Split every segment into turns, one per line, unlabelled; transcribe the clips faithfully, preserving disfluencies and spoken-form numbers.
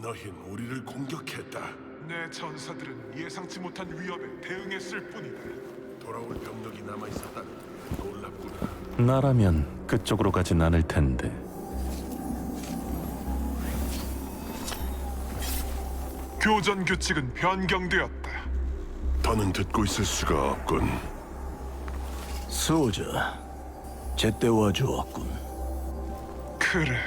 너흰 우리를 공격했다.
내 전사들은 예상치 못한 위협에 대응했을 뿐이다.
돌아올 병력이 남아 있었다니 놀랍구나.
나라면 그쪽으로 가진 않을 텐데.
교전 규칙은 변경되었다.
더는 듣고 있을 수가 없군.
수호자, 제때 와주었군.
그래.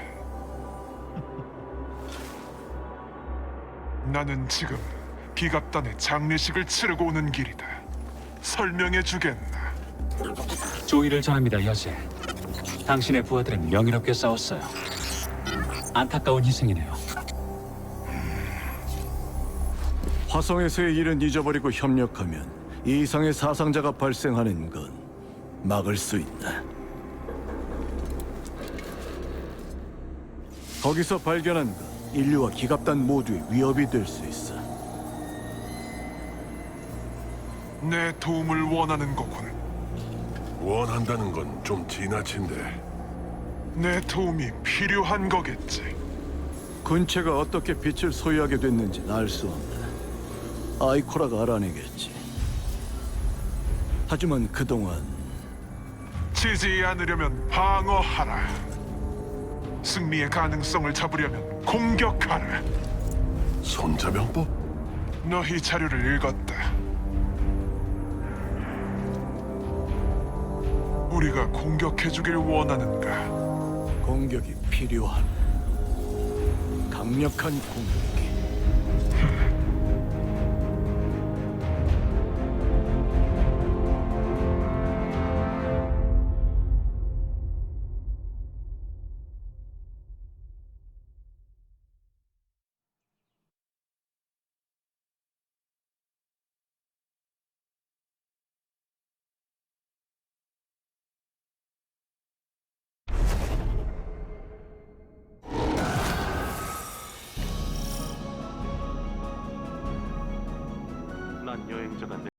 나는 지금 기갑단의 장례식을 치르고 오는 길이다. 설명해 주겠나?
조의를 전합니다, 여제. 당신의 부하들은 명예롭게 싸웠어요. 안타까운 희생이네요.
화성에서의 일은 잊어버리고 협력하면 이 이상의 사상자가 발생하는 건 막을 수 있다. 거기서 발견한 건 인류와 기갑단 모두의 위협이 될 수 있어.
내 도움을 원하는 거군.
원한다는 건 좀 지나친데.
내 도움이 필요한 거겠지.
군체가 어떻게 빛을 소유하게 됐는지는 알 수 없다. 아이코라가 알아내겠지. 하지만 그동안
지지 않으려면 방어하라. 승리의 가능성을 잡으려면 공격하라.
손자병법?
너희 자료를 읽었다. 우리가 공격해주길 원하는가?
공격이 필요한 강력한 공격이.
난 여행자가